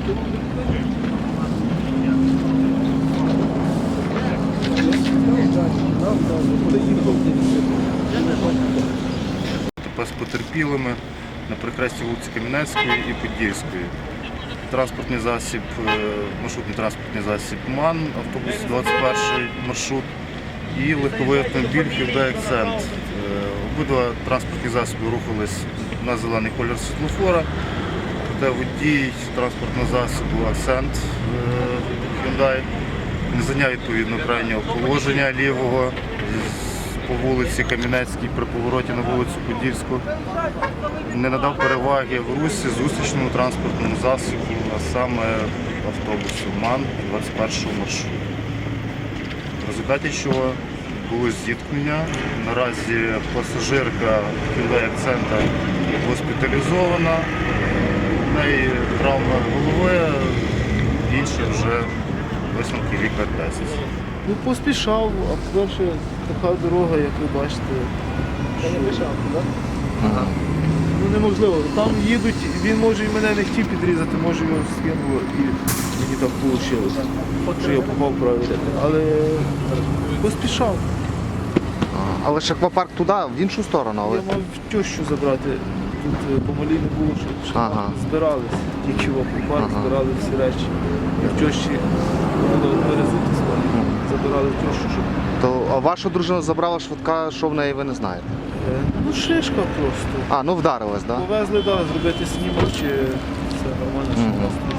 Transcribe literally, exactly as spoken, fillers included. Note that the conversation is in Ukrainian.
З потерпілими на перехресті вулиці Кам'янецької і Подільської. Транспортний засіб, маршрутний транспортний засіб МАН, автобус двадцять перший маршрут і легковий автомобіль Hyundai Accent. Обидва транспортні засоби рухались на зелений колір світлофора, проте водій транспортного засобу Accent Hyundai не зайняв відповідно крайнього положення лівого по вулиці Кам'янецькій при повороті на вулицю Подільську, не надав переваги в русі зустрічному транспортному засобу, а саме автобусу МАН двадцять першого маршруту. В результаті чого було зіткнення. Наразі пасажирка Hyundai Accent госпіталізована, в неї травма голови, інші вже висновки лікар десять. Ну, поспішав, а по-перше, така дорога, як ви бачите. Та не пішав, так? Ага. Ну неможливо. Там їдуть, він може і мене не хотів підрізати, може його скинуло і мені так вийшло. Що я попав правильно. Але поспішав. Але ж аквапарк туди, в іншу сторону. Але... Я мав тещу забрати. Тут помалі не було, що, що ага. збирались. Тільки в аквапарк ага. збирали всі речі. І в тещі було перезутися. Забирали тещу, щоб... То, а вашу дружину забрала швидка, що в неї ви не знаєте? Е, ну шишка просто. А, ну вдарилась, так? Да? Повезли, так, да, зробити снімок, чи все нормально, що mm-hmm.